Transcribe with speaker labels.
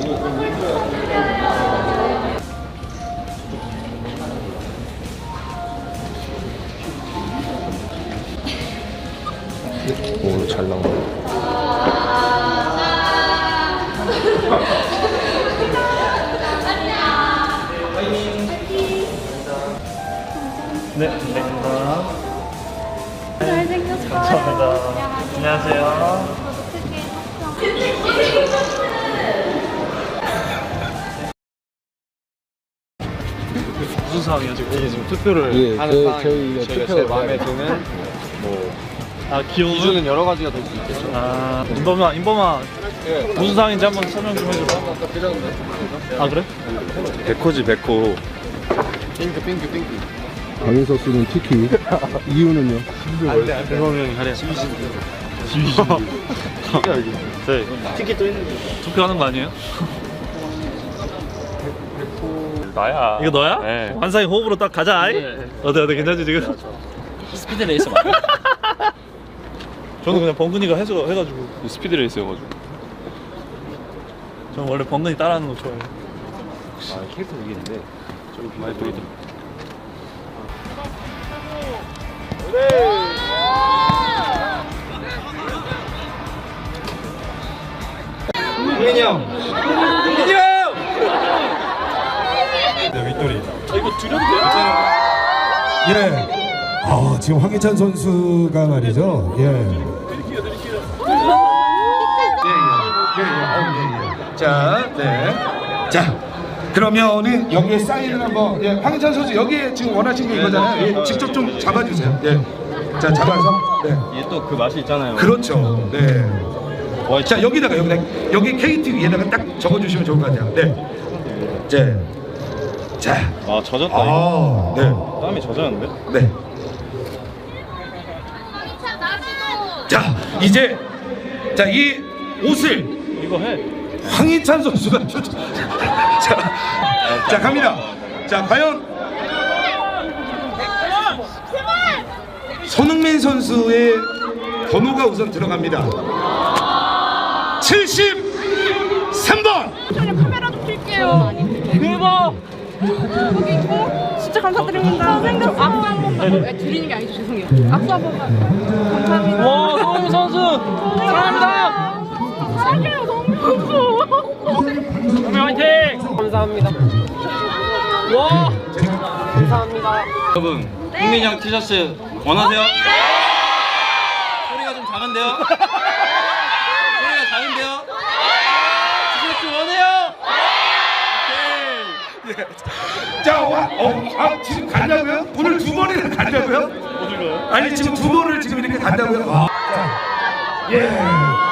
Speaker 1: 오, 잘 나온다.
Speaker 2: 네, 감사합니다.
Speaker 3: 잘생겼어요.
Speaker 2: 감사합니다. 안녕하세요. 무슨 상황이야 지금?
Speaker 1: 이게 지금 투표를
Speaker 2: 예,
Speaker 1: 하는 상황이에요. 저희가 제일 마음에 드는 뭐
Speaker 2: 귀여운
Speaker 1: 기준은 여러 가지가 될 수 있겠죠.
Speaker 2: 인범아
Speaker 1: 예.
Speaker 2: 무슨 상황인지 한번 설명 좀 해줘봐. 아 그래?
Speaker 1: 백호지 백호. 핑크.
Speaker 4: 강인석 씨는 티키. 이유는요?
Speaker 2: 안돼 그거는 하래. 네.
Speaker 1: 티켓 또 있는데.
Speaker 2: 투표하는 거 아니에요?
Speaker 1: 나야.
Speaker 2: 이거 너야?
Speaker 1: 네.
Speaker 2: 환상의 호흡으로 딱 가자. 아이? 어때 괜찮지 지금?
Speaker 5: 스피드 레이스 맞아?
Speaker 2: 저는 그냥 범근이가 해가지고.
Speaker 1: 스피드 레이스여가지고.
Speaker 2: 저는 원래 범근이 따라하는 거 좋아해요.
Speaker 1: 아 캐릭터 이기는데 좀 많이 보이더라. 민이 형!
Speaker 4: 네, 윗돌이.
Speaker 2: 이거 줄여도 돼요?
Speaker 4: 예. 지금 황희찬 선수가 말이죠. 예.
Speaker 6: 자, 네. 자, 그러면은 여기에 사인을 한번. 예, 황희찬 선수 여기에 지금 원하시는 게 이거잖아요. 예, 직접 좀 잡아주세요. 예. 자, 잡아서. 네.
Speaker 1: 이게 또 그 맛이 있잖아요.
Speaker 6: 그렇죠. 네. 자, 여기 KT 위에다가 딱 적어주시면 좋을 것 같아요. 네. 자.
Speaker 1: 아 젖었다.
Speaker 6: 아, 네.
Speaker 1: 땀이 젖었는데?
Speaker 6: 네. 자, 이제 이 옷을
Speaker 2: 이거 해.
Speaker 6: 황희찬 선수가 자, 갑니다. 자, 과연 손흥민 선수의 번호가 우선 들어갑니다. 73번.
Speaker 3: 카메라 좀 킬게요. 대박. 여기 있고 진짜 감사드립니다. 생겼어. 악수 한 번만. 드리는 게 아니죠. 죄송해요. 악수 한 번만. 감사합니다.
Speaker 5: 와, 손흥민 선수! 사랑합니다!
Speaker 3: 사랑해요, 너무 선수.
Speaker 5: 손흥민 화이팅! 감사합니다. 와! 감사합니다.
Speaker 1: 여러분, 흥민이 형 티셔츠 원하세요? 소리가 좀 작은데요? 소리가 작은데요? 티셔츠 원해요?
Speaker 6: 자, 지금 간다고요? 오늘 2번이나 간다고요? 아니, 지금 2번을 지금 이렇게 간다고요? 자, 예.